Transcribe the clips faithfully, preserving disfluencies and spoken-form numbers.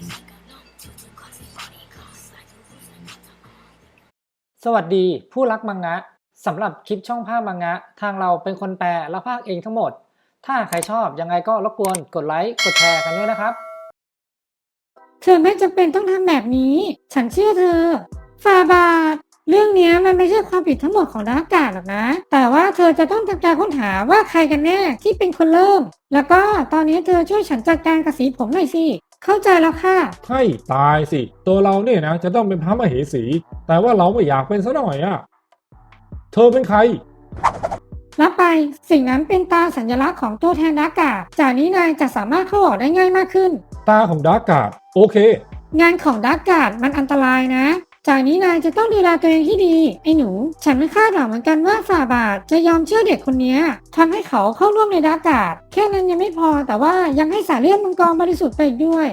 สวัสดีผู้รักมังงะสำหรับคลิปช่องภาพมังงะทางเราเป็นคนแปลและพากย์เองทั้งหมดถ้าใครชอบยังไงก็รบกวนกดไลค์กดแชร์กันด้วยนะครับเธอไม่จำเป็นต้องทำแบบนี้ ฉันเชื่อเธอฟาบาทเรื่องนี้มันไม่ใช่ความผิดทั้งหมดของดาร์กการ์ดหรอกนะ แต่ว่าเธอจะต้องทำการค้นหาว่าใครกันแน่ที่เป็นคนเริ่ม แล้วก็ตอนนี้เธอช่วยฉันจัดการกับสีผมหน่อยสิ เข้าใจแล้วค่ะให้ตายสิ ตัวเราเนี่ยนะจะต้องเป็นพระมเหสี แต่ว่าเราไม่อยากเป็นซะหน่อยอะเธอเป็นใครรับไปสิ่งนั้นเป็นตาสัญลักษณ์ของตัวแทนดาร์กการ์ดจากนี้นายจะสามารถเข้าออกได้ง่ายมากขึ้นตาของดาร์กการ์ดโอเคงานของดาร์กการ์ดมันอันตรายนะ จากนี้นายจะต้องดูแลตัวเองที่ดี ไอ้หนู ฉันไม่คาดหวังเหมือนกันว่าฝ่าบาทจะยอมเชื่อเด็กคนนี้ทำให้เขาเข้าร่วมในดาร์กการ์ดแค่นั้นยังไม่พอแต่ว่ายังให้สายเลือดมังกรบริสุทธิ์ไปอีกด้วย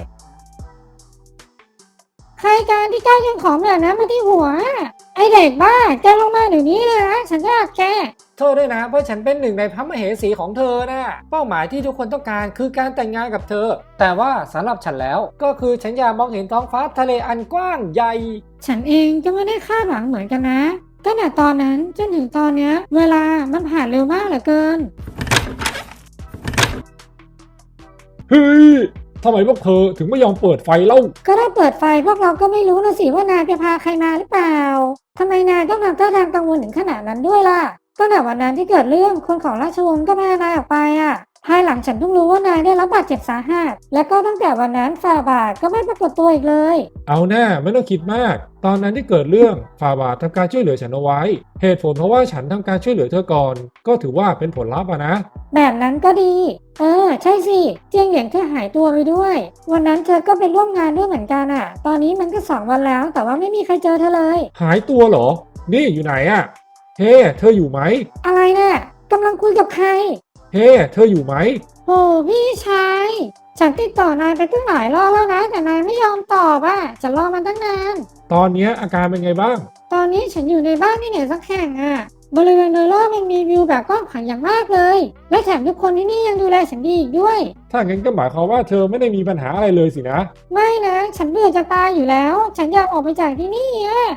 ใครการที่กล้ายิงของแบบนั้นมาที่หัว ไอเด็กบ้าแกลงมาเดี๋ยวนี้เลยนะฉันจะแกโทษด้วยนะเพราะฉันเป็นหนึ่งในพระมเหสีของเธอนะเป้าหมายที่ทุกคนต้องการคือการแต่งงานกับเธอแต่ว่าสำหรับฉันแล้วก็คือฉันอยากมองเห็นท้องฟ้าทะเลอันกว้างใหญ่ฉันเองก็ไม่ได้คาดหวังเหมือนกันนะตั้งแต่ตอนนั้นจนถึงตอนเนี้ยเวลามันผ่านเร็วมากเหลือเกินเฮ้ยทำไมพวกเธอถึงไม่ยอมเปิดไฟเล่าก็ถ้าเปิดไฟพวกเราก็ไม่รู้นะสิว่านายไปพาใครมาหรือเปล่าทำไมนายต้องทำท่าทางกังวลถึงขนาดนั้นด้วยล่ะตั้งแต่วันนั้นที่เกิดเรื่องคนของราชวงศ์ก็พานายออกไปอ่ะภายหลังฉันเพิ่งรู้ว่านายได้รับบาดเจ็บสาหัสและก็ตั้งแต่วันนั้นฝ่าบาทก็ไม่ปรากฏตัวอีกเลยเอาแน่ไม่ต้องคิดมาก ตอนนั้นที่เกิดเรื่องฝ่าบาททำการช่วยเหลือฉันเอาไว้ เหตุผลเพราะว่าฉันทำการช่วยเหลือเธอก่อน ก็ถือว่าเป็นผลลัพธ์อะนะแบบนั้นก็ดี เออใช่สิเจียงเหลียงเธอหายตัวไปด้วยวันนั้นเธอก็ไปร่วมงานด้วยเหมือนกันอ่ะ ตอนนี้มันก็สองวันแล้วแต่ว่าไม่มีใครเจอเธอเลยหายตัวเหรอ นี่อยู่ไหนอะเฮ้เธออยู่ไหมอะไรน่ะกำลังคุยกับใครเฮ้เธออยู่ไหมโอ้พี่ชายฉันติดต่อนายไปตั้งหลายรอบแล้วนะแต่นายไม่ยอมตอบอ่ะจะรอมันตั้งนานตอนเนี้ยอาการเป็นไงบ้างตอนนี้ฉันอยู่ในบ้านที่ไหนสักแห่งอ่ะบริเวณโดยรอบมันมีวิวแบบกว้างขวางอย่างมากเลย และแถมทุกคนที่นี่ยังดูแลฉันดีอีกด้วยถ้างั้นก็หมายความว่าเธอไม่ได้มีปัญหาอะไรเลยสินะไม่นะฉันเบื่อจะตายอยู่แล้ว ฉันอยากออกไปจากที่นี่อ่ะ